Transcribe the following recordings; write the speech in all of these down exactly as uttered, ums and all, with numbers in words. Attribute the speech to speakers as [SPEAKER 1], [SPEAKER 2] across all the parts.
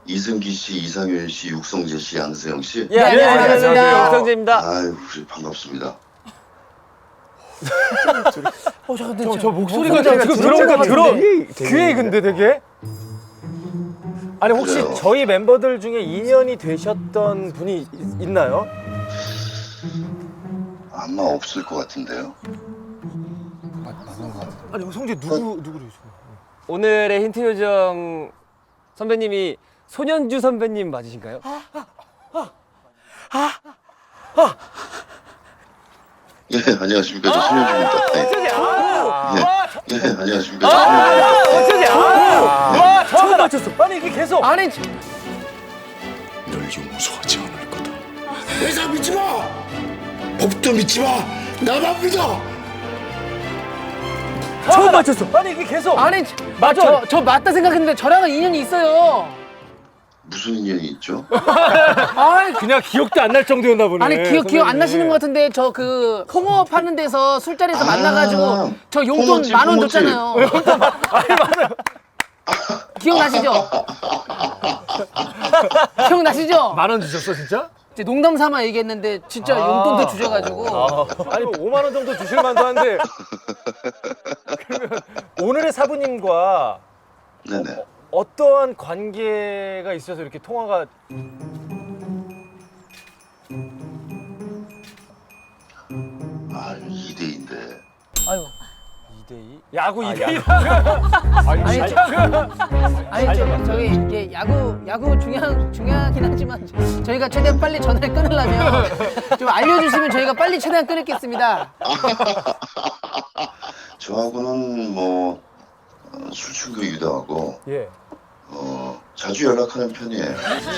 [SPEAKER 1] 이승기 씨, 이상윤 씨, 육성재 씨, 양세형 씨.
[SPEAKER 2] 예, 안녕하세요.
[SPEAKER 3] 안녕하세요.
[SPEAKER 2] 육성재입니다.
[SPEAKER 1] 아유, 반갑습니다.
[SPEAKER 3] 어, 저, 근데
[SPEAKER 2] 저,
[SPEAKER 3] 저,
[SPEAKER 2] 저 목소리가
[SPEAKER 3] 목소리가
[SPEAKER 2] 지금
[SPEAKER 3] 들어온
[SPEAKER 2] 들어오니까
[SPEAKER 3] 것
[SPEAKER 2] 들어.
[SPEAKER 3] 같은데?
[SPEAKER 2] 귀에 근데 되게. 아니 혹시
[SPEAKER 1] 그래요.
[SPEAKER 2] 저희 멤버들 중에 인연이 되셨던 분이 있, 있나요?
[SPEAKER 1] 아마 없을 것 같은데요.
[SPEAKER 2] 아니 성재 누구 누구를?
[SPEAKER 4] 오늘의 힌트 요정 선배님이 손현주 선배님 맞으신가요?
[SPEAKER 1] 예, 안녕하십니까. 저 손현주입니다. 네.
[SPEAKER 2] 아,
[SPEAKER 1] 예, 예, 안녕하십니까. 저 손현주입니다. 네.
[SPEAKER 2] 성재 아, 와 처음 맞췄어. 아니 이게 계속.
[SPEAKER 3] 아니,
[SPEAKER 5] 널 용서하지 않을 거다.
[SPEAKER 6] 회사 믿지 마! 법도 믿지 마! 나만 믿어!
[SPEAKER 2] 처음 맞췄어. 아니 이게 계속.
[SPEAKER 3] 아니,
[SPEAKER 2] 맞아.
[SPEAKER 3] 저, 저 맞다 생각했는데 저랑은 인연이 있어요.
[SPEAKER 1] 무슨 인연이 있죠?
[SPEAKER 3] 아이,
[SPEAKER 2] 그냥 기억도 안 날 정도였나 보네.
[SPEAKER 3] 아니, 기억, 기억 안
[SPEAKER 2] 선배님이.
[SPEAKER 3] 나시는 것 같은데 저 그 홍어업 하는 데서 술자리에서 만나가지고
[SPEAKER 1] 아,
[SPEAKER 3] 저 용돈
[SPEAKER 1] 홍어집,
[SPEAKER 3] 만 원
[SPEAKER 1] 홍어집.
[SPEAKER 3] 줬잖아요.
[SPEAKER 2] 아니 맞아요.
[SPEAKER 3] 기억나시죠? 기억나시죠?
[SPEAKER 2] 만 원 주셨어 진짜?
[SPEAKER 3] 이제 농담 삼아 얘기했는데 진짜
[SPEAKER 2] 아.
[SPEAKER 3] 용돈도 주셔가지고
[SPEAKER 2] 아, 아니 오만 원 정도 주실 만도 한데. 그러면 오늘의 사부님과
[SPEAKER 1] 네네.
[SPEAKER 2] 어떠한 관계가 있어서 이렇게 통화가
[SPEAKER 1] 아, 이 대인데.
[SPEAKER 3] 아유.
[SPEAKER 4] 이 대 이?
[SPEAKER 2] 야구 이 대 일?
[SPEAKER 3] 아니, 저, 아니 저, 저희 이게 야구 야구 중요한 중요하긴 하지만 저희가 최대한 빨리 전화를 끊으려면 좀 알려주시면 저희가 빨리 최대한 끊겠습니다.
[SPEAKER 1] 저하고는 뭐 어, 술친구이기도 하고
[SPEAKER 2] 예.
[SPEAKER 1] 어, 자주 연락하는 편이에요.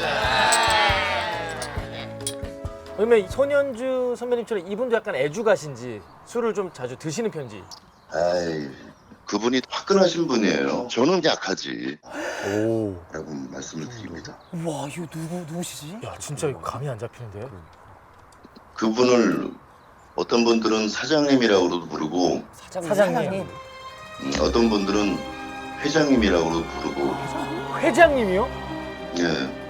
[SPEAKER 2] 그러면 손현주 선배님처럼 이분도 약간 애주가신지 술을 좀 자주 드시는 편지.
[SPEAKER 1] 아이, 그분이 화끈하신 분이에요. 저는 약하지.
[SPEAKER 2] 오.
[SPEAKER 1] 라고 말씀을 드립니다.
[SPEAKER 3] 와 이거 누구 누구시지?
[SPEAKER 2] 야 진짜 이거 감이 안 잡히는데.
[SPEAKER 1] 그분을 어떤 분들은 사장님이라고도 부르고
[SPEAKER 2] 사장님.
[SPEAKER 1] 음, 어떤 분들은 회장님이라고도 부르고
[SPEAKER 2] 회장님이요?
[SPEAKER 1] 예.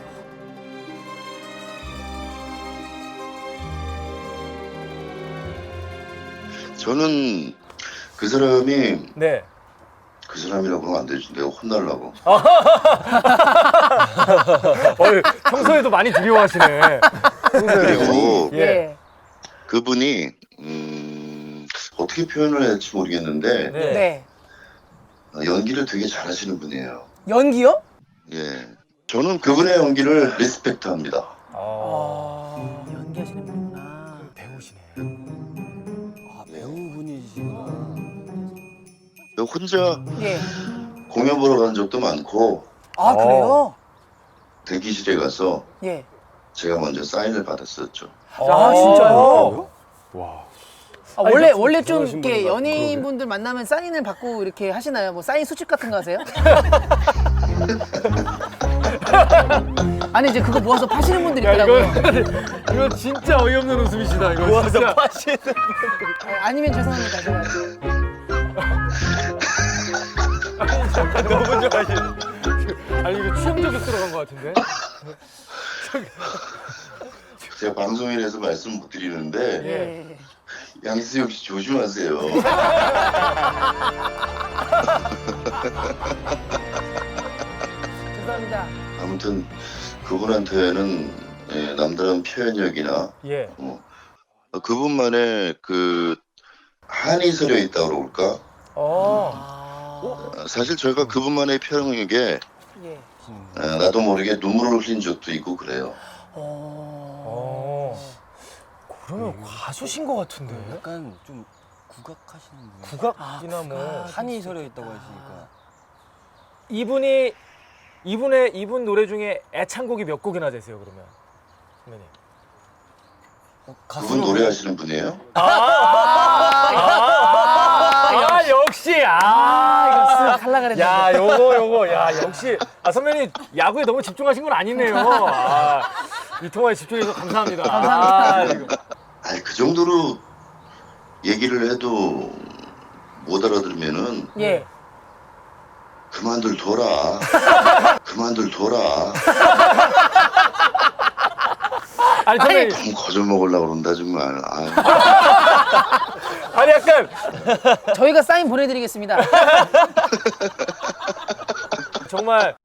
[SPEAKER 1] 저는 그 사람이
[SPEAKER 2] 네.
[SPEAKER 1] 그 사람이라고 그러면 안 되지. 내가 혼날라고.
[SPEAKER 2] 어, 평소에도 많이 두려워하시네.
[SPEAKER 1] 그리고
[SPEAKER 2] 예.
[SPEAKER 3] 예.
[SPEAKER 1] 그분이 음, 어떻게 표현을 해야 할지 모르겠는데
[SPEAKER 2] 네.
[SPEAKER 3] 네.
[SPEAKER 1] 어, 연기를 되게 잘하시는 분이에요.
[SPEAKER 3] 연기요?
[SPEAKER 1] 예. 저는 그분의 연기를 리스펙트합니다.
[SPEAKER 2] 아,
[SPEAKER 3] 아, 연기하시는 분이구나.
[SPEAKER 2] 배우시네.
[SPEAKER 4] 아, 배우분이시구나.
[SPEAKER 1] 혼자
[SPEAKER 3] 예.
[SPEAKER 1] 공연 보러 간 적도 많고
[SPEAKER 3] 아 그래요?
[SPEAKER 1] 대기실에 가서
[SPEAKER 3] 예.
[SPEAKER 1] 제가 먼저 사인을 받았었죠.
[SPEAKER 3] 아, 진짜요?
[SPEAKER 2] 와.
[SPEAKER 3] 아, 원래
[SPEAKER 2] 아니,
[SPEAKER 3] 원래 좀
[SPEAKER 4] 대단하신
[SPEAKER 3] 이렇게
[SPEAKER 4] 분인 것
[SPEAKER 3] 연예인분들 만나면 사인을 받고 이렇게 하시나요? 뭐 사인 수집 같은 거 하세요? 아니 이제 그거 모아서 파시는 분들
[SPEAKER 2] 야
[SPEAKER 3] 있더라고요.
[SPEAKER 2] 이거 이거 진짜 어이없는 웃음이시다. 이거 모아서 파시는.
[SPEAKER 3] 아, 아니면 죄송합니다. 제가.
[SPEAKER 2] 너무 좋아하시네. 아니 이거 취향적으로 들어간 것 같은데.
[SPEAKER 1] 제가 방송인에서 말씀 못 드리는데
[SPEAKER 3] 예.
[SPEAKER 1] 양세형 씨 조심하세요.
[SPEAKER 3] 죄송합니다.
[SPEAKER 1] 아무튼 그분한테는 예, 남다른 표현력이나
[SPEAKER 2] 예.
[SPEAKER 1] 어, 그분만의 그 한이 서려 있다고 그럴까?
[SPEAKER 2] 어.
[SPEAKER 3] 아.
[SPEAKER 1] 어, 사실 저희가 그분만의 표현력에
[SPEAKER 3] 예.
[SPEAKER 1] 어, 나도 모르게 눈물을 흘린 적도 있고 그래요.
[SPEAKER 2] 어. 그러면 가수신 것 같은데.
[SPEAKER 4] 약간 좀 국악하시는 분.
[SPEAKER 2] 국악이나
[SPEAKER 3] 아,
[SPEAKER 2] 뭐
[SPEAKER 3] 국악.
[SPEAKER 4] 한이 서려 있다고 하시니까.
[SPEAKER 2] 이분이 이분의 이분 노래 중에 애창곡이 몇 곡이나 되세요 그러면 선배님?
[SPEAKER 4] 어,
[SPEAKER 1] 그분 노래하시는 분이에요?
[SPEAKER 2] 아, 역시 아,
[SPEAKER 3] 아, 이거 쓱 하려고 그랬는데.
[SPEAKER 2] 야 요거 요거 야 역시 아 선배님 야구에 너무 집중하신 건 아니네요. 아, 이 통화에 집중해서 감사합니다.
[SPEAKER 3] 감사합니다.
[SPEAKER 2] 아, 이거.
[SPEAKER 1] 아니 그 정도로 얘기를 해도 못 알아들으면은
[SPEAKER 3] 예.
[SPEAKER 1] 그만들 둬라. 그만들 둬라.
[SPEAKER 2] 아니 선배님,
[SPEAKER 1] 너무 거저 먹으려고 그런다 정말. 아유.
[SPEAKER 2] 아니 약간
[SPEAKER 3] 저희가 사인 보내드리겠습니다.
[SPEAKER 2] 정말